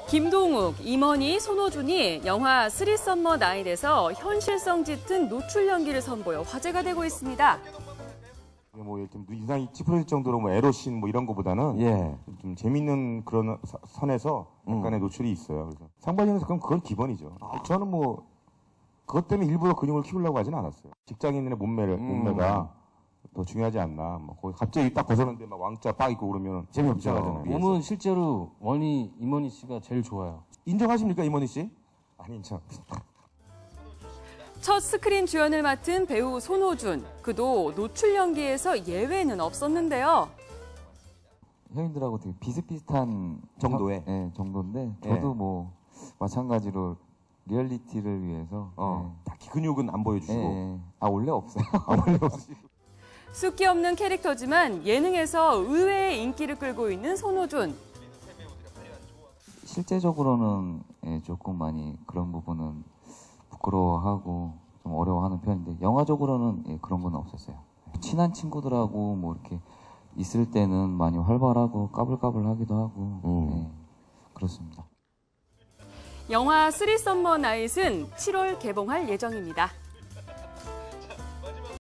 김동욱, 임원희, 손호준이 영화 쓰리 썸머 나잇에서 현실성 짙은 노출 연기를 선보여 화제가 되고 있습니다. 뭐 이렇게 인상이 찌푸려질 정도로 뭐 에로씬 뭐 이런 거보다는 좀 재밌는 그런 선에서 약간의 노출이 있어요. 그래서 상반신에서 그건 기본이죠. 저는 뭐 그것 때문에 일부러 근육을 키우려고 하진 않았어요. 직장인의 몸매가 더 중요하지 않나. 뭐 거기 갑자기 딱 벗었는데 막 왕자 빡 입고 그러면 재미없죠. 몸은 실제로 임원희 씨가 제일 좋아요. 인정하십니까, 임원희 씨? 안 인정. 첫 스크린 주연을 맡은 배우 손호준. 그도 노출 연기에서 예외는 없었는데요. 형님들하고 되게 비슷비슷한 정도의? 정도인데 저도 뭐 마찬가지로 리얼리티를 위해서 딱히 근육은 안 보여주시고. 원래 없어요. 원래 없으시고. 숫기 없는 캐릭터지만 예능에서 의외의 인기를 끌고 있는 손호준. 실제적으로는 조금 많이 그런 부분은 부끄러워하고 좀 어려워하는 편인데 영화적으로는 그런 건 없었어요. 친한 친구들하고 뭐 이렇게 있을 때는 많이 활발하고 까불까불하기도 하고 그렇습니다. 영화 쓰리 썸머 나잇은 7월 개봉할 예정입니다.